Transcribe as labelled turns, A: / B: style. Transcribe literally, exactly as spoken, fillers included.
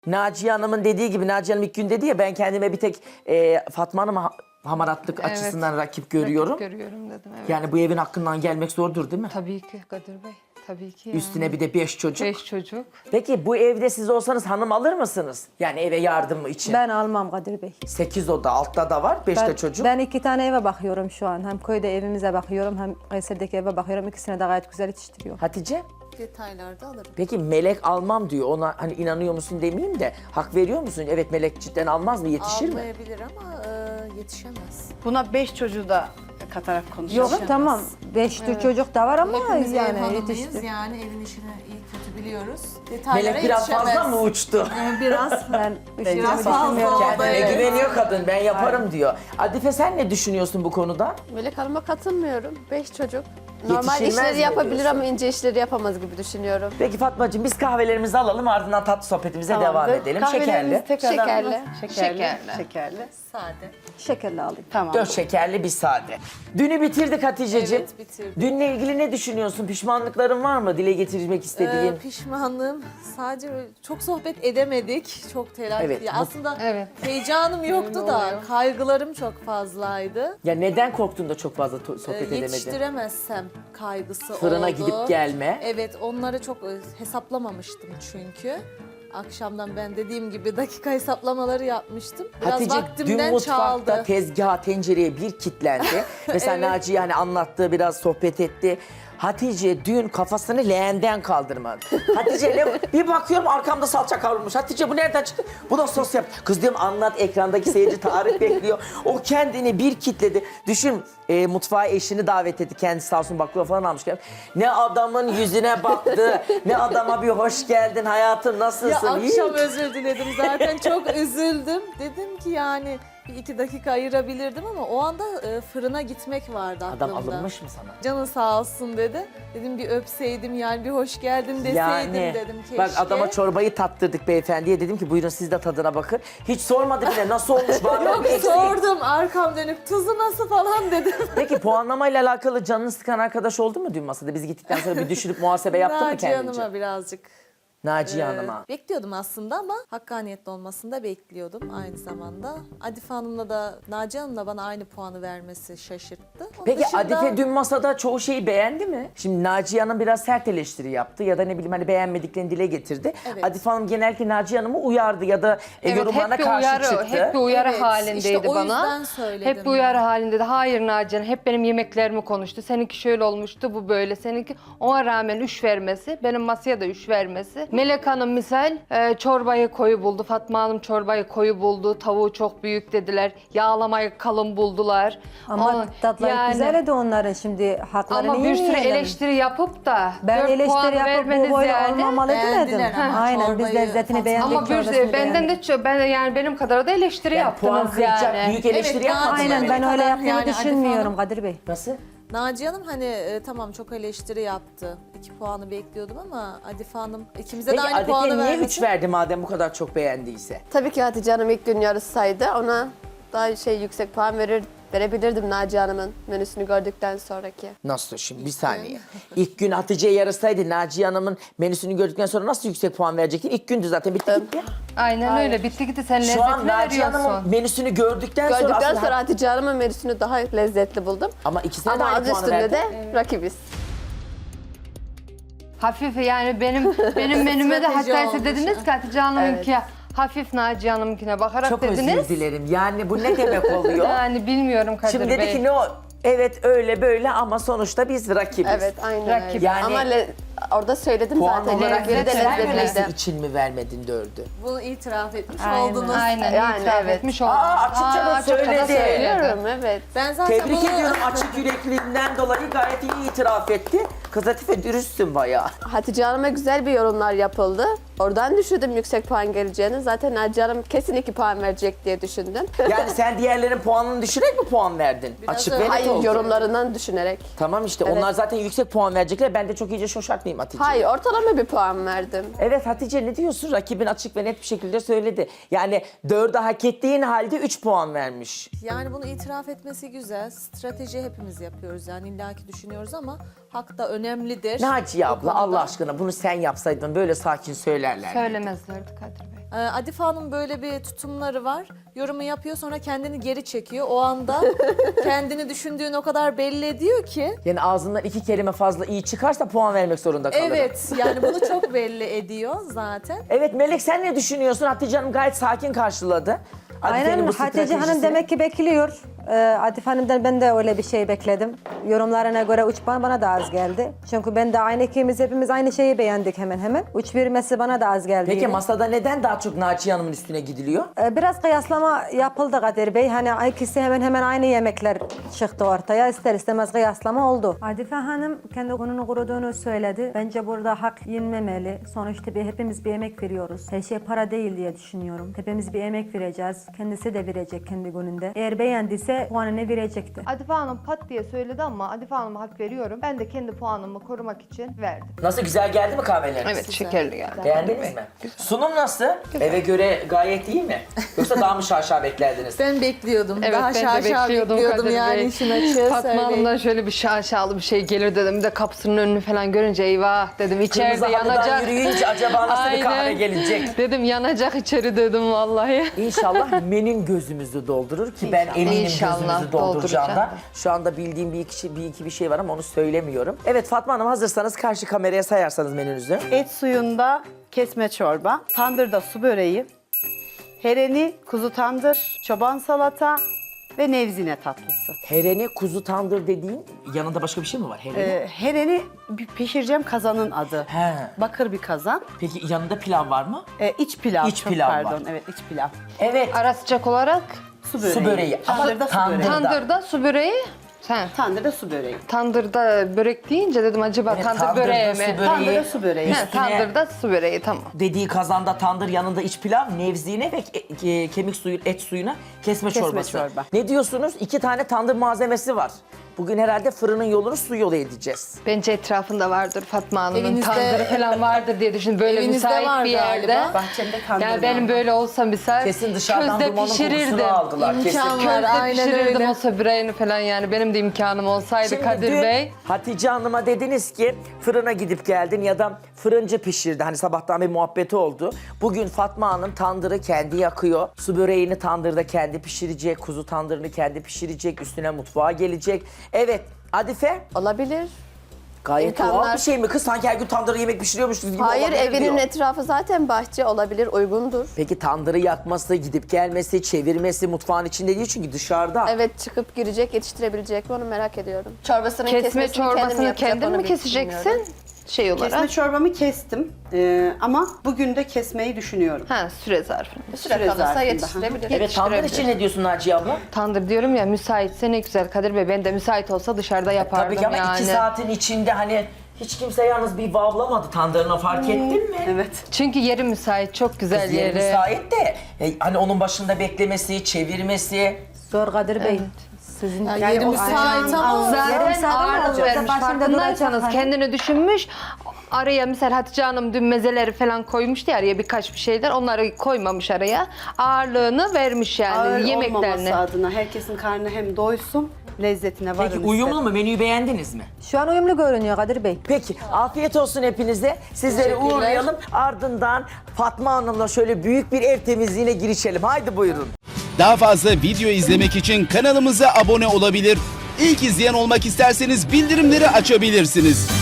A: Naciye Hanım'ın dediği gibi, Naciye Hanım ilk gün dedi ya, ben kendime bir tek e, Fatma Hanım'a ha- hamaratlık
B: Evet.
A: açısından rakip görüyorum.
B: Rakip görüyorum dedim, evet.
A: Yani bu evin hakkından gelmek zordur değil mi?
B: Tabii ki Kadir Bey. Tabii ki yani.
A: Üstüne bir de beş çocuk.
B: Beş çocuk.
A: Peki bu evde siz olsanız hanım alır mısınız? Yani eve yardım için.
C: Ben almam Kadir Bey.
A: Sekiz oda, altta da var, beş de
C: Ben,
A: çocuk.
C: ben iki tane eve bakıyorum şu an. Hem köyde evimize bakıyorum hem Kayseri'deki eve bakıyorum. İkisine de gayet güzel yetiştiriyor.
A: Hatice?
D: Detaylarda alırım.
A: Peki Melek almam diyor. Ona hani inanıyor musun demeyeyim de hak veriyor musun? Evet, Melek cidden almaz mı? Yetişir mi?
D: Almayabilir ama e, yetişemez.
E: Buna beş çocuğu da katarak konuşuyoruz.
C: Yok tamam. Beş tür çocuk da var ama
D: Hepimiz ev
C: yani
D: hanımıyız,
C: yetişti.
D: yani evin işini iyi kötü biliyoruz. Detaylara
A: Melek biraz
D: yetişemez.
A: fazla mı uçtu?
D: E, biraz.
C: Ben üçüncü
D: Biraz fazla
C: düşünmüyorum.
D: oldu.
A: Kendine
D: Evet.
A: güveniyor kadın, ben yaparım diyor. Adife sen ne düşünüyorsun bu konuda?
F: Melek Hanım'a katılmıyorum. Beş çocuk. Normal
A: Yetişilmez mi
F: işleri yapabilir
A: diyorsun?
F: ama ince işleri yapamaz gibi düşünüyorum.
A: Peki Fatmacığım, biz kahvelerimizi alalım, ardından tatlı sohbetimize devam
E: Tamamdır.
A: edelim.
E: Kahvelerimizi
A: Şekerli.
E: tekrardan-
F: Şekerli.
E: Şekerli.
B: Şekerli.
E: Şekerli.
D: Sade.
C: Şekerli alayım.
E: Tamam.
A: Dört şekerli bir sade. Dünü bitirdik Hatice'ciğim.
D: Evet, bitirdik.
A: Dünle ilgili ne düşünüyorsun? Pişmanlıkların var mı? Dile getirmek istediğin?
D: Ee, pişmanlığım sadece çok sohbet edemedik. Çok telaş.
A: Evet,
D: Ya
A: bu-
D: aslında
B: Evet.
D: heyecanım yoktu
B: Öyle
D: da
B: oluyor.
D: kaygılarım çok fazlaydı.
A: Ya neden korktun da çok fazla to-
D: Ee,
A: sohbet edemedin?
D: yetiştiremezsem kaygısı
A: Fırına
D: oldu.
A: gidip gelme.
D: Evet, onları çok e, hesaplamamıştım çünkü. Akşamdan ben dediğim gibi dakika hesaplamaları yapmıştım. Biraz
A: Hatice dün
D: vaktimden
A: mutfakta
D: çaldı.
A: tezgaha, tencereye bir kitlendi. Mesela
D: Evet.
A: Naciye hani anlattı, biraz sohbet etti. Hatice dün kafasını leğenden kaldırmadı. Hatice ne- bir bakıyorum arkamda salça kavrulmuş. Hatice bu nereden çıktı? Bu da sos yap. Kız diyorum anlat, ekrandaki seyirci tarif bekliyor. O kendini bir kitledi. Düşün, e, mutfağa eşini davet etti. Kendisi sağ olsun baklava falan almış. gelmiş. Ne adamın yüzüne baktı, ne adama bir hoş geldin hayatım,
D: Ya
A: nasılsın?
D: akşam
A: İyi.
D: özür diledim zaten, çok üzüldüm. Dedim ki yani bir iki dakika ayırabilirdim ama o anda e, fırına gitmek vardı aklımda.
A: Adam alınmış mı sana?
D: Canın sağ olsun dedi. Dedim bir öpseydim, yani bir hoş geldin deseydim
A: Yani
D: dedim keşke.
A: bak, adama çorbayı tattırdık beyefendiye, dedim ki buyurun siz de tadına bakın. Hiç sormadı bile nasıl olmuş, var mı
D: Yok,
A: bir eksik?
D: sordum arkam dönüp tuzu nasıl falan dedim.
A: Peki puanlamayla alakalı canını sıkan arkadaş oldu mu dün masada? Biz gittikten sonra bir düşünüp muhasebe yaptı mı
D: Naciye
A: kendince?
D: Hanım'a birazcık
A: Naciye
D: e,
A: Hanım'a.
D: bekliyordum aslında ama hakkaniyetli olmasını da bekliyordum aynı zamanda. Adife Hanım'la da Naciye Hanım'la bana aynı puanı vermesi şaşırttı. Onun
A: Peki
D: dışında-
A: Adife dün masada çoğu şeyi beğendi mi? Şimdi Naciye Hanım biraz sert eleştiri yaptı ya da ne bileyim hani beğenmediklerini dile getirdi.
D: Evet.
A: Adife Hanım genellikle Naciye Hanım'ı uyardı ya da e,
B: Evet,
A: yorumlarına
B: hep bir
A: karşı
B: uyarı,
A: çıktı.
B: hep bir uyarı
D: Evet,
B: halindeydi
D: işte o
B: bana.
D: yüzden söyledim.
B: Hep bir uyarı halindeydi. Hayır Naciye, hep benim yemeklerimi konuştu. Seninki şöyle olmuştu, bu böyle. Seninki, ona rağmen üç vermesi, benim masaya da üç vermesi. Melek Hanım misal e, çorbayı koyu buldu. Fatma Hanım çorbayı koyu buldu. Tavuğu çok büyük dediler. Yağlamayı kalın buldular.
C: Ama
B: Ama
C: tatları
B: yani-
C: güzel de onların şimdi haklarını
B: Ama bir sürü
C: yemeyelim.
B: eleştiri yapıp da
C: Ben
B: dört puan
C: eleştiri yapıp
B: vermeniz
C: bu böyle
B: yani.
C: olmamalı demedim.
D: Beğendiler ama
C: Aynen biz
D: çorbayı,
C: lezzetini
D: Fatma-
C: beğendik.
B: Ama bir
C: çorbasını
B: benden de
C: beğendik.
B: ço- ben yani benim kadar da eleştiri
A: Yani puan
B: yaptınız
A: kıracak
B: yani.
A: büyük eleştiri
D: Evet,
A: yapmadın.
D: Naciye
C: Aynen
A: yani.
C: ben öyle
D: kadar
C: yaptığını
D: yani Adife
C: düşünmüyorum
D: Hanım-
C: Kadir Bey.
A: Nasıl?
D: Naciye Hanım hani e, tamam çok eleştiri yaptı. İki puanı bekliyordum ama Adife Hanım ikimize
A: Peki
D: de aynı puanı
A: Adife niye
D: vermesi.
A: üç verdi madem bu kadar çok beğendiyse?
F: Tabii ki Hatice Hanım ilk gün yarışsaydı ona daha şey yüksek puan verir verebilirdim Naciye Hanım'ın menüsünü gördükten sonraki.
A: Nasıl şimdi? Bir saniye. İlk gün Hatice'ye yarışsaydı Naciye Hanım'ın menüsünü gördükten sonra nasıl yüksek puan verecektin? İlk gündü zaten, bitti gitti.
B: Aynen öyle. Bitti gitti. Sen
A: Şu an
B: lezzetini
A: Naciye
B: veriyorsun.
A: Hanım'ın menüsünü gördükten, sonra
F: Gördükten
A: aslında...
F: sonra Hatice Hanım'ın menüsünü daha lezzetli buldum.
A: Ama ikisine de
F: Ama
A: aynı
F: adı
A: puanı
F: üstünde
A: verdin.
F: de rakibiz.
B: Hafif yani benim benim menüme de
D: Strateji
B: hatta siz
D: olmuş.
B: dediniz ki Hatice Hanım'ınki hafif, Naciye Hanım'ınkine bakarak
A: Çok
B: dediniz.
A: özür dilerim. Yani bu ne demek oluyor?
B: Yani bilmiyorum Kadir
A: Şimdi
B: Bey.
A: dedi ki ne o? Evet öyle böyle ama sonuçta biz rakibiz.
F: Evet aynen
B: Rakip.
F: öyle.
A: Yani-
F: Ama le- orada söyledim
A: Puan
F: zaten.
A: olarak
F: Yemekleri de
A: vermemesi
F: lezzetliydi.
A: için mi vermedin dördü?
D: Bunu itiraf etmiş
C: Aynen.
D: oldunuz.
B: Aynen
F: Yani
B: itiraf
F: evet.
B: etmiş oldum.
A: Aa, açıkça da söyledi.
F: Söylüyorum evet.
D: Ben zaten
A: Tebrik
D: bunu
A: ediyorum, açık yürekliliğinden dolayı gayet iyi itiraf etti. Kız Latife dürüstsün bayağı.
F: Hatice Hanım'a güzel bir yorumlar yapıldı. Oradan düşündüm yüksek puan geleceğini. Zaten Naciye Hanım kesin iki puan verecek diye düşündüm.
A: Yani sen diğerlerin puanını düşürerek mi puan verdin?
D: Biraz
A: Açık
D: öyle.
A: ve net
F: Hayır
A: oldu.
F: yorumlarından düşünerek.
A: Tamam işte
F: Evet.
A: onlar zaten yüksek puan verecekler. Ben de çok iyice şoşartmayayım Hatice.
F: Hayır ortalama bir puan verdim.
A: Evet Hatice ne diyorsun? Rakibin açık ve net bir şekilde söyledi. Yani dördü hak ettiğin halde üç puan vermiş.
D: yani bunu itiraf etmesi güzel. Strateji hepimiz yapıyoruz yani illaki düşünüyoruz ama hak da önemlidir.
A: Naciye
D: bu
A: abla
D: konuda.
A: Allah aşkına bunu sen yapsaydın böyle sakin söyler derler.
B: Söylemezlerdi Kadir Bey.
D: Ee, Adife Hanım böyle bir tutumları var. Yorumu yapıyor sonra kendini geri çekiyor. O anda kendini düşündüğünü o kadar belli ediyor ki.
A: Yani ağzından iki kelime fazla iyi çıkarsa puan vermek zorunda kalırım.
D: Evet yani bunu çok belli ediyor zaten.
A: Evet Melek sen ne düşünüyorsun? Hatice Hanım gayet sakin karşıladı. Adife'nin
C: Aynen
A: bu
C: Hatice Hanım
A: stratejisi.
C: demek ki bekliyor. Ee, Adife Hanım'dan ben de öyle bir şey bekledim. Yorumlarına göre üç puan bana da az geldi. Çünkü ben de aynı ikimiz hepimiz aynı şeyi beğendik hemen hemen. üç vermesi bana da az geldi.
A: Peki
C: yine.
A: masada neden daha çok Naciye Hanım'ın üstüne gidiliyor?
C: Ee, Biraz kıyaslama yapıldı Kadir Bey. Hani ikisi hemen hemen aynı yemekler çıktı ortaya. İster istemez kıyaslama oldu. Adife Hanım kendi gününü kuruduğunu söyledi. Bence burada hak yenmemeli. Sonuçta bir, hepimiz bir emek veriyoruz. Her şey para değil diye düşünüyorum. Hepimiz bir emek vereceğiz. Kendisi de verecek kendi gününde. Eğer beğendiyse puanını verecekti.
B: Adife Hanım pat diye söyledi ama Adife Hanım'a hak veriyorum. Ben de kendi puanımı korumak için verdim.
A: Nasıl güzel geldi mi kahveleriniz?
B: Evet şekerli geldi.
A: Beğendiniz mi? Sunum nasıl? Eve göre gayet iyi mi? Yoksa daha mı şaşa beklerdiniz?
D: Ben bekliyordum.
B: Evet
D: Daha
B: ben de
D: şaşa
B: bekliyordum,
D: bekliyordum
B: Kadir
D: yani
B: Bey.
D: işin açığı
B: Fatma
D: söyleyeyim.
B: Hanım'dan şöyle bir şaşalı bir şey gelir dedim. Bir de kapısının önünü falan görünce eyvah dedim içeride
A: Kırmızı halıdan
B: yanacak.
A: yürüyünce acaba nasıl bir kahve
B: Aynen.
A: gelecek?
B: Dedim yanacak içeri dedim vallahi.
A: İnşallah menün gözümüzü doldurur ki ben
B: İnşallah.
A: eminim
B: İnşallah
A: gözümüzü dolduracağından.
B: dolduracak.
A: Şu anda bildiğim bir iki, bir iki bir şey var ama onu söylemiyorum. Evet Fatma Hanım hazırsanız karşı kameraya sayarsanız menünüzü.
E: Et suyunda kesme çorba, tandırda su böreği, hereni, kuzu tandır, çoban salata ve nevzine tatlısı.
A: Hereni kuzu tandır dediğin yanında başka bir şey mi var? Hereni.
E: Ee, hereni bir pişireceğim kazanın adı.
A: He.
E: Bakır bir kazan.
A: Peki yanında pilav var mı?
E: Ee, iç pilav.
A: İç
E: çok
A: pilav
E: pardon.
A: var.
E: Evet iç pilav.
A: Evet.
B: Ara sıcak olarak
E: Su böreği.
A: Su böreği. Ama
E: Tandırda su
A: tandır.
E: böreği.
B: tandırda su böreği. Sen
E: Tandırda su böreği.
B: tandırda börek deyince dedim acaba
A: Evet,
B: tandır
A: tandırda
B: böreği
A: su
B: mi?
A: böreği.
E: Tandırda su böreği.
B: He, tandırda su böreği tamam.
A: Dediği kazanda tandır yanında iç pilav, nevzine ve ke- ke- kemik suyu, et suyuna kesme,
E: Kesme
A: çorbası.
E: çorba.
A: Ne diyorsunuz? İki tane tandır malzemesi var. Bugün herhalde fırının yolunu su yolu edeceğiz.
B: Bence etrafında vardır Fatma Hanım'ın
D: Evinizde-
B: tandırı falan vardır diye düşün. Böyle
D: Evinizde
B: müsait
D: var
B: bir yerde.
D: galiba.
E: Bahçemde tandır
B: Yani benim
E: var.
B: böyle olsa misal
A: Kesin dışarıdan
B: közde
A: dumanın
B: pişirirdim.
A: kokusunu aldılar. Kesin.
D: İmkan var.
B: Közde
D: Aynen
B: pişirirdim
D: öyle.
B: o söbreğini falan yani. Benim de imkanım olsaydı
A: Şimdi
B: Kadir
A: dün
B: Bey.
A: Hatice Hanım'a dediniz ki fırına gidip geldin ya da fırıncı pişirdi. Hani sabahtan bir muhabbeti oldu. Bugün Fatma Hanım tandırı kendi yakıyor. Su böreğini tandırda kendi pişirecek. Kuzu tandırını kendi pişirecek. Üstüne mutfağa gelecek. Evet Adife
F: Olabilir.
A: gayet
F: İmkanlar-
A: doğal bir şey mi kız? Sanki her gün tandırı yemek pişiriyormuşuz gibi
F: Hayır,
A: olabilir
F: evinin
A: diyor.
F: etrafı zaten bahçe, olabilir, uygundur.
A: Peki tandırı yakması, gidip gelmesi, çevirmesi mutfağın içinde değil çünkü dışarıda.
F: Evet, çıkıp girecek, yetiştirebilecek mi onu merak ediyorum. Çorbasının
B: Kesme
F: kesmesini kendim
B: çorbasını
F: yapacak,
B: kendin
F: onu
B: mi
F: bil-
B: keseceksin?
F: bilmiyorum.
B: Şey olarak.
E: Kesme çorbamı kestim Ee, ama bugün de kesmeyi düşünüyorum.
B: Ha süre zarfında.
F: Süre
E: Süre
F: kalırsa
E: zarfında.
F: yetiştirebilir.
A: Evet tandır için ne diyorsun Naciye abla?
B: Tandır diyorum ya müsaitse ne güzel Kadir Bey. Ben de müsait olsa dışarıda yapardım
A: Tabii ki ama
B: yani.
A: iki saatin içinde hani hiç kimse yalnız bir vavlamadı tandırına fark ettin mi?
E: Evet.
B: Çünkü yeri müsait, çok güzel
A: Kız yeri
B: yeri.
A: müsait de e, hani onun başında beklemesi, çevirmesi.
C: Zor Kadir Bey. Sizin
D: Yani yeri müsait ama
B: Zaten
C: Yarım saat
B: ağırlık
C: olacak.
B: vermiş.
C: Başında
B: Farkındaysanız
C: duracak.
B: kendini düşünmüş. Araya mesela Hatice Hanım dün mezeleri falan koymuştu ya araya birkaç bir şeyler. Onları koymamış araya. Ağırlığını vermiş yani
E: Ağır
B: yemeklerini.
E: olmaması adına herkesin karnı hem doysun, lezzetine varın
A: Peki uyumlu mu? Menüyü beğendiniz mi?
C: Şu an uyumlu görünüyor Kadir Bey.
A: Peki afiyet olsun hepinize. Sizleri uğurlayalım. Ardından Fatma Hanım'la şöyle büyük bir ev temizliğine girişelim. Haydi buyurun.
G: Daha fazla video izlemek için kanalımıza abone olabilir. İlk izleyen olmak isterseniz bildirimleri açabilirsiniz.